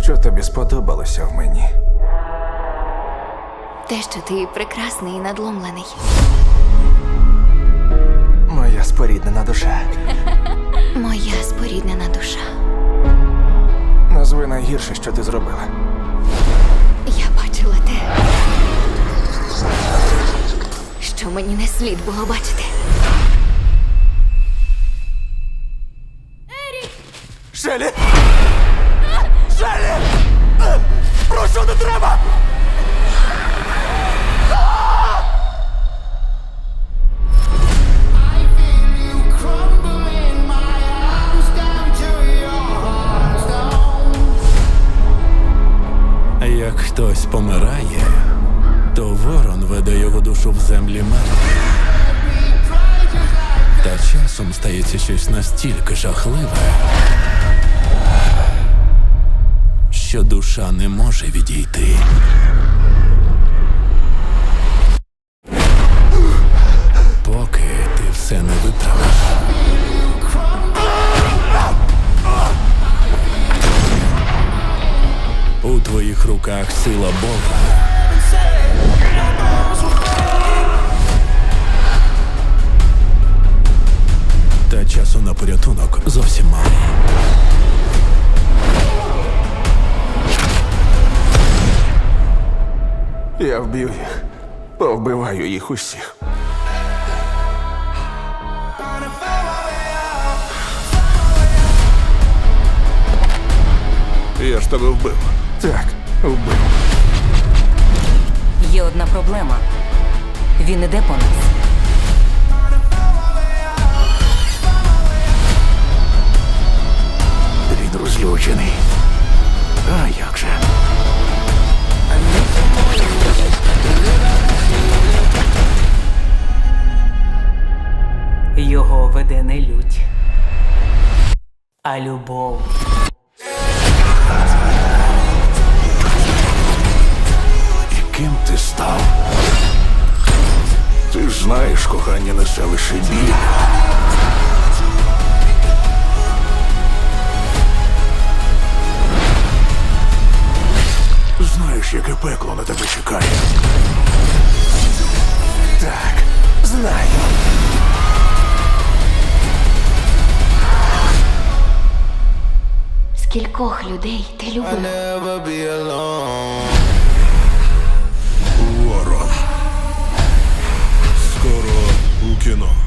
Що тобі сподобалося в мені? Те, що ти прекрасний і надломлений. Моя споріднена душа. Моя споріднена душа. Назви найгірше, що ти зробила. Я бачила те, що мені не слід було бачити. Шелі! Шелі! Прошу, не треба! Як хтось помирає, то ворон веде його душу в землі мертвих. Та часом стається щось настільки жахливе, що душа не може відійти. Поки ти все не виправиш. У твоїх руках сила Бога. Та часу на порятунок зовсім мало. Я вб'ю їх. Повбиваю їх усіх. Я ж тебе вбив. Так, вбив. Є одна проблема. Він іде по нас. Він розлючений. А як же? Його веде не лють, а любов. І ким ти став? Ти ж знаєш, кохання несе лише біль. Знаєш, яке пекло на тебе чекає. Так, знаю. Скількох людей ти любив? Ворон. Скоро у кіно.